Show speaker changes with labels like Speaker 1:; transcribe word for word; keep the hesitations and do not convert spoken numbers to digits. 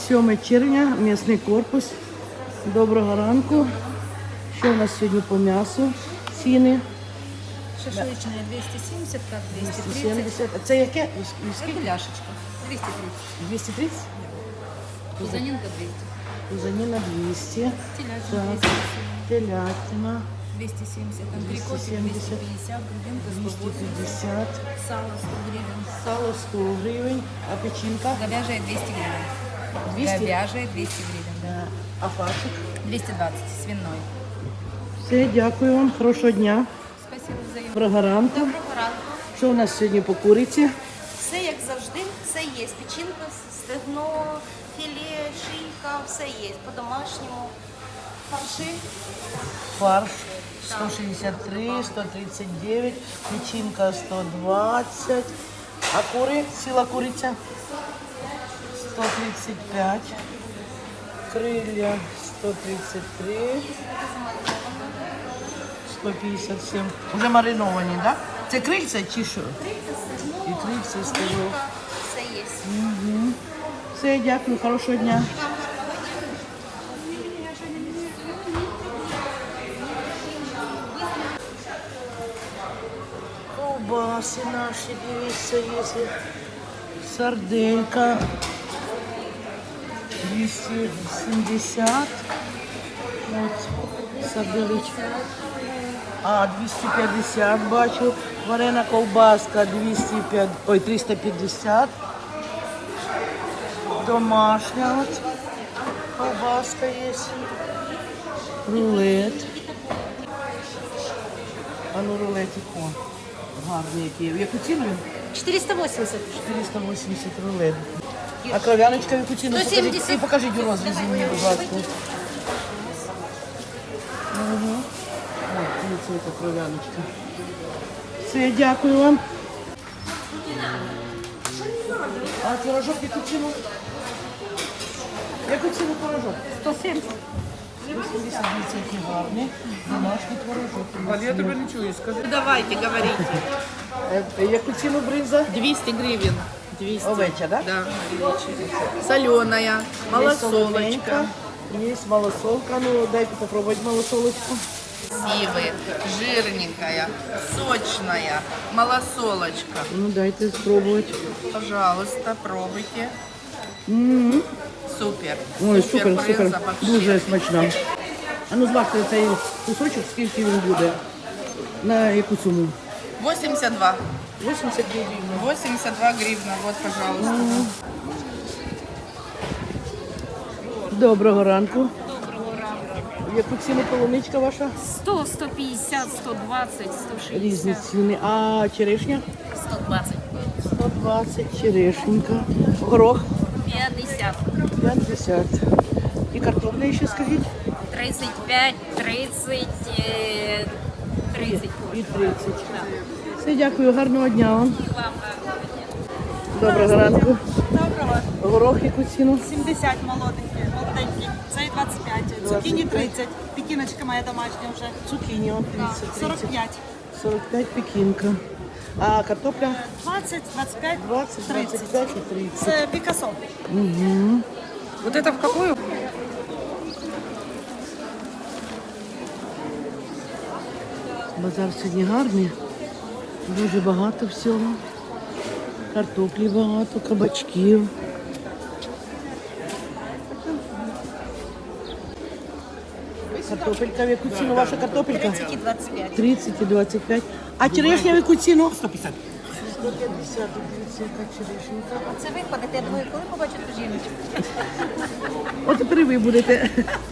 Speaker 1: сьоме червня, м'ясний корпус. Доброго ранку. Що у нас сьогодні по м'ясу? Ціни?
Speaker 2: Шашлычная двести семьдесят, как двести тридцать.
Speaker 1: сімдесят. А це яке?
Speaker 2: Это ляшечка. двести тридцать.
Speaker 1: двісті тридцять?
Speaker 2: Пузанинка двести.
Speaker 1: Кузаніна двісті.
Speaker 2: Телячина
Speaker 1: Так,
Speaker 2: двести.
Speaker 1: телятина
Speaker 2: двести семьдесят. Антрикотик
Speaker 1: двести семьдесят.
Speaker 2: двести пятьдесят. Грудинка сто
Speaker 1: двісті
Speaker 2: восемьдесят.
Speaker 1: п'ятдесят.
Speaker 2: Сало сто гривен.
Speaker 1: Сало сто гривень. А печінка?
Speaker 2: Говяжья двести гривен.
Speaker 1: двісті?
Speaker 2: Говяжья двести гривен, да.
Speaker 1: Да. А фаршик?
Speaker 2: двести двадцать. Свиной.
Speaker 1: Все, дякую вам. Хорошого дня.
Speaker 2: Спасибо взаимно.
Speaker 1: Доброго ранку.
Speaker 3: Доброго ранку.
Speaker 1: Що у нас сьогодні по куриці?
Speaker 3: Все як завжди, все є. Печінка, стегно, філе, шийка, все є. По-домашньому. Фарши.
Speaker 1: Фарш сто шістдесят три, сто тридцять дев'ять, печінка сто двадцять, а кури, ціла куриця сто тридцять п'ять, крилля сто тридцять три, сто п'ятдесят сім. Уже мариновані, так? Да? Це крильця чи що? І крильця стегно.
Speaker 3: Все є.
Speaker 1: Все, дякую, хорошого дня. Ковбаси наші, дивіться, є. Сарделька двісті сімдесят. От, сарделечка. А, двісті п'ятдесят бачу. Варена ковбаска двісті п'ятдесят, ой, триста п'ятдесят. Домашня от. Ковбаска є. Рулет. А ну рулетик, о, гарний який. В яку ціну?
Speaker 3: чотириста вісімдесят.
Speaker 1: чотириста вісімдесят рулет. А кров'яночка в яку ціну?
Speaker 3: сто
Speaker 1: Покажіть,
Speaker 3: сімдесят.
Speaker 1: і покажіть у розрізі мені, будь ласка. Угу. Ой, дивіться, яка кров'яночка. Все, дякую вам. А творожок в яку ціну? В яку ціну творожок?
Speaker 3: сто сімдесят.
Speaker 1: вісімдесят який гарний. Домашній творожок.
Speaker 4: Валь, я тебе не чую, скажи.
Speaker 2: Давайте, говорите.
Speaker 1: Е, Яку ціну бринза?
Speaker 2: двести гривен. двести.
Speaker 1: Овеча, так?
Speaker 2: Да. Соленая, малосолочка.
Speaker 1: Є малосолка. Ну, дайте попробувати малосолочку.
Speaker 2: Красивая, жирненькая, сочная, малосолочка.
Speaker 1: Ну, дайте спробувати.
Speaker 2: Пожалуйста, пробуйте.
Speaker 1: М-м.
Speaker 2: Супер.
Speaker 1: Ой, супер,
Speaker 2: брынза
Speaker 1: супер.
Speaker 2: вообще.
Speaker 1: Дуже смачна. А ну, зважте цей кусочок, скільки він буде. На яку суму?
Speaker 2: восемьдесят два.
Speaker 1: вісімдесят гривень.
Speaker 2: восемьдесят два гривна. Вот, пожалуйста.
Speaker 1: Доброго ранку. В яку ціну полуничка ваша?
Speaker 5: сто, сто пятьдесят, сто двадцать, сто
Speaker 1: Різні
Speaker 5: шестьдесят,
Speaker 1: ціни. А черешня?
Speaker 5: сто двадцать,
Speaker 1: сто двадцять черешенька. Горох?
Speaker 5: пятьдесят,
Speaker 1: п'ятдесят. І картопля ще скажіть?
Speaker 5: тридцать пять, тридцать, э, тридцать.
Speaker 1: І тридцять. Все, дякую, гарного дня вам.
Speaker 5: Вам
Speaker 1: Доброго ранку.
Speaker 6: Доброго.
Speaker 1: Горох яку ціну?
Speaker 6: сімдесят молоденький, молоденький. Цей двадцять п'ять. Цукіні тридцять. Пекіночка моя домашня вже.
Speaker 1: Цукіні, он тридцять.
Speaker 6: сорок п'ять.
Speaker 1: сорок п'ять пекінка. А картопля?
Speaker 6: двадцять, двадцять п'ять,
Speaker 1: двадцять, двадцять
Speaker 6: тридцять.
Speaker 1: п'ять і тридцять.
Speaker 6: Це Пікасо.
Speaker 4: Вот это в какую?
Speaker 1: Базар сьогодні гарний. Дуже багато всього. Картоплі багато, кабачків. Картопелька, в яку ціну ваша картопелька?
Speaker 3: тридцять і двадцять п'ять.
Speaker 1: тридцять і двадцять п'ять. А черешня в яку ціну? сто п'ятдесят. сто п'ятдесят, дивіться, яка черешенька.
Speaker 3: Це ви ходите, я думаю, коли побачите жіночку?
Speaker 1: От тепер і ви будете.